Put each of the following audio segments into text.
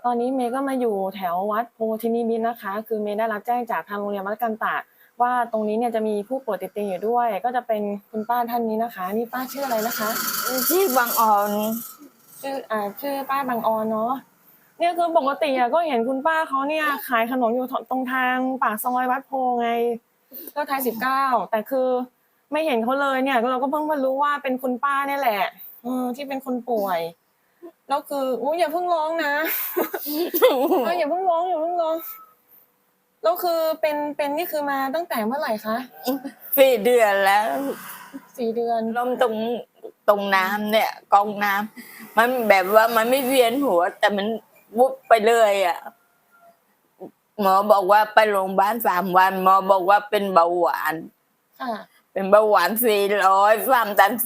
ตอนนี้เมย์ก็มาอยู่แถววัดโพธินิมิตรนะคะ คือเมย์ได้รับแจ้งจากทางโรงเรียนวัดกันตะว่าตรงนี้เนี่ยจะมีผู้ป่วยติดเตียงอยู่ด้วย ก็จะเป็นคุณป้าท่านนี้นะคะ นี่ป้าชื่ออะไรนะคะชื่อบางออนชื่อป้าบางออนเนาะเนี่ยคือปกติก็เห็นคุณป้าเขาเนี่ยขายขนมอยู่ตรงทางปากซอยวัดโพไงก็ไทย19แต่คือไม่เห็นเขาเลยเนี่ยเราก็เพิ่งมารู้ว่าเป็นคุณป้าเนี่ยแหละที่เป็นคนป่วยแล้วคืออย่าเพิ่งร้องนะอย่าเพิ่งร้องแล้วคือเป็นนี่คือมาตั้งแต่เมื่อไหร่คะ 4 เดือนแล้ว 4 เดือนล้มตรงน้ำเนี่ยกองน้ำมันแบบว่ามันไม่เวียนหัวแต่มันวุบไปเลยอ่ะหมอบอกว่าไปโรงพยาบาล3 วันหมอบอกว่าเป็นเบาหวานเป็นเบาหวาน400ความดัน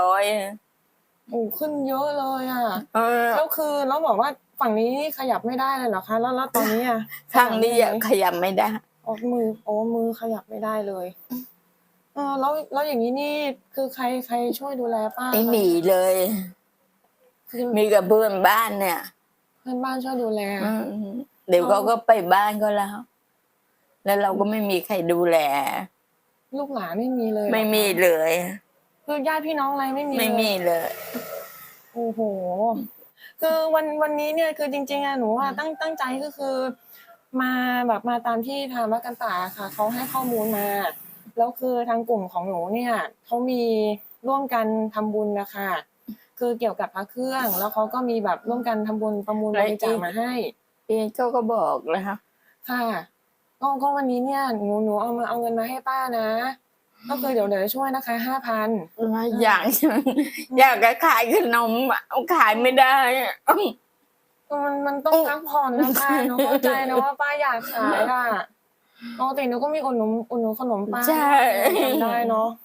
400 ขึ้นเยอะเลยอ่ะแล้วคือแล้วบอกว่าฝั่งนี้ขยับไม่ได้เลยเหรอคะแล้วตอนนี้อ่ะข้างนี้ขยับไม่ได้มือขยับไม่ได้เลยแล้วอย่างนี้นี่คือใครช่วยดูแลป้าไม่มีเลยมีกับเพื่อนบ้านเนี่ยเพื่อนบ้านช่วยดูแลเดี๋ยวเขาก็ไปบ้านก็แล้วเราก็ไม่มีใครดูแลลูกหลานไม่มีเลยไม่มีเลยคือญาติพี่น้องอะไรไม่มีเลยโอ้โหคือวันนี้เนี่ยคือจริงๆหนูตั้งใจก็คือมาแบบมาตามที่ทางวัดกันตาค่ะเขาให้ข้อมูลมาแล้วคือทางกลุ่มของหนูเนี่ยเขามีร่วมกันทำบุญนะคะคือเกี่ยวกับพระเครื่องแล้วเขาก็มีแบบร่วมกันทำบุญประมูลบริจาคมาให้เขาก็บอกแล้วค่ะก็วันนี้เนี่ยหนูเอาเงินมาให้ป้านะก็คือเดี๋ยวช่วยนะคะ5,000 อยากจะขายขนมขายไม่ได้มันต้องพักผ่อนนะป้าหนูเข้าใจนะว่าป้าอยากขายอะปกติหนูก็มีอุดหนุนขนมป้าได้เนาะ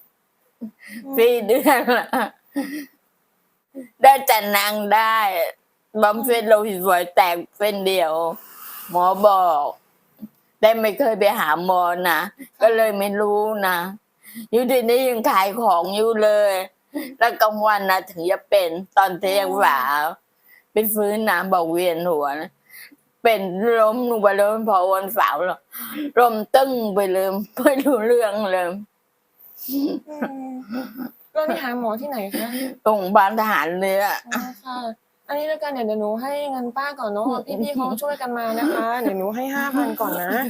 4 เดือนละได้จัดนางได้บำเพ็ญโลหิตฝอยแตกเส้นเดียวหมอบอกได้ไม่เคยไปหาหมอนะก็เลยไม่รู้นะอยู่ที่นี่ยังขายของอยู่เลยแล้วกลางวันนะถึงจะเป็นตอนเที่ยงหวาไปฟื้นน้ำบอกเวียนหัวนะเป็นล้มลงไปเลยพอวันเสาร์ลมตึ้งไปเลยไม่รู้เรื่องเลยแล้วนี่หาหมอที่ไหนคะโรงพยาบาลทหารเรือค่ะอันนี้แล้วกันเดี๋ยวหนูให้เงินป้าก่อนเนาะพี่เขาช่วยกันมานะคะเดี๋ยวหนูให้5,000ก่อนนะ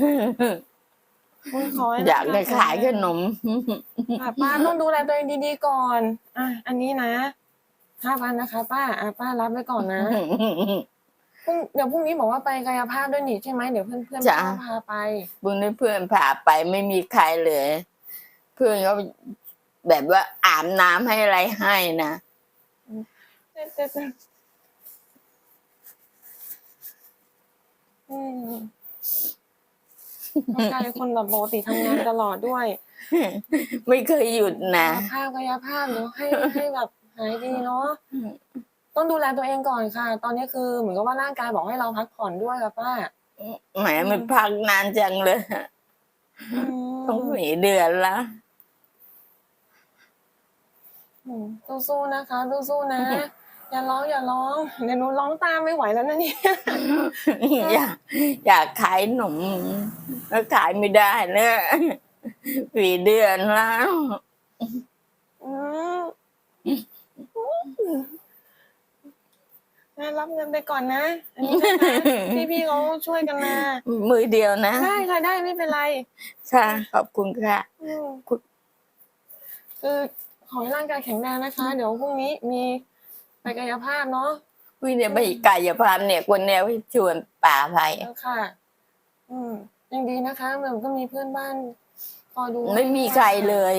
อยากได้ขายขนมป้าต้องดูแลตัวเองดีๆก่อนอันนี้นะ5,000นะคะป้าป้ารับไว้ก่อนนะเดี๋ยวพรุ่งนี้บอกว่าไปกายภาพด้วยนี่ใช่ไหมเดี๋ยวเพื่อนพาไปพรุ่งนี้เพื่อนพาไปไม่มีใครเลยเพื่อนเขาแบบว่าอาบน้ำให้อะไรให้นะกลายเป็นคนแบบปกติทำงานตลอดด้วยไม่เคยหยุดนะกายภาพเดี๋ยวให้แบบหายดีเนาะต้องดูแลตัวเองก่อนค่ะตอนนี้คือเหมือนกับว่าร่างกายบอกให้เราพักผ่อนด้วยค่ะป้าแหมมันพักนานจังเลยต้อง4 เดือนละสู้ๆนะคะสู้ๆนะอย่าร้องเดี๋ยวหนูร้องตามไม่ไหวแล้วนะเนี่ยอยากขายขนมแล้วขายไม่ได้เนี่ย4 เดือนแล้วรับเงินไปก่อนนะอันนี้พี่เขาช่วยกันมามือเดียวนะได้ค่ะได้ไม่เป็นไรค่ะขอบคุณค่ะคือขอให้ร่างกายแข็งแรงนะคะเดี๋ยวพรุ่งนี้มีไปกายภาพเนาะวิ่งเนี่ยไปกายภาพเนี่ยคนแนวชวนป่าไปค่ะยังดีนะคะมันก็มีเพื่อนบ้านคอยดูไม่มีใครเลย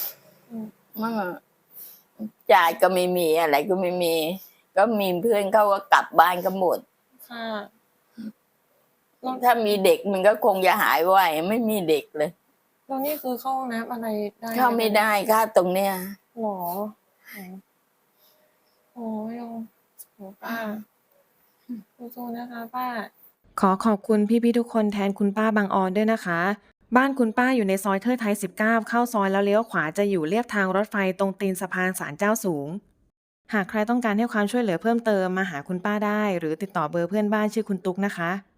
จ่ายก็ไม่มีอะไรก็ไม่มีก็มีเพื่อนเขาก็กลับบ้านก็หมดค่ะถ้ามีเด็กมันก็คงจะหายไวไม่มีเด็กเลยตรงนี้คือเข้าห้องน้ำอะไรได้เข้าไม่ได้ค่ะตรงเนี้ยหรอโอ้ยป้าสู้ๆนะคะป้าขอขอบคุณพี่ๆทุกคนแทนคุณป้าบางออนด้วยนะคะบ้านคุณป้าอยู่ในซอยเทิดไทย19เข้าซอยแล้วเลี้ยวขวาจะอยู่เลียบทางรถไฟตรงตีนสะพานศาลเจ้าสูงหากใครต้องการให้ความช่วยเหลือเพิ่มเติมมาหาคุณป้าได้ หรือติดต่อเบอร์เพื่อนบ้านชื่อคุณตุ๊กนะคะ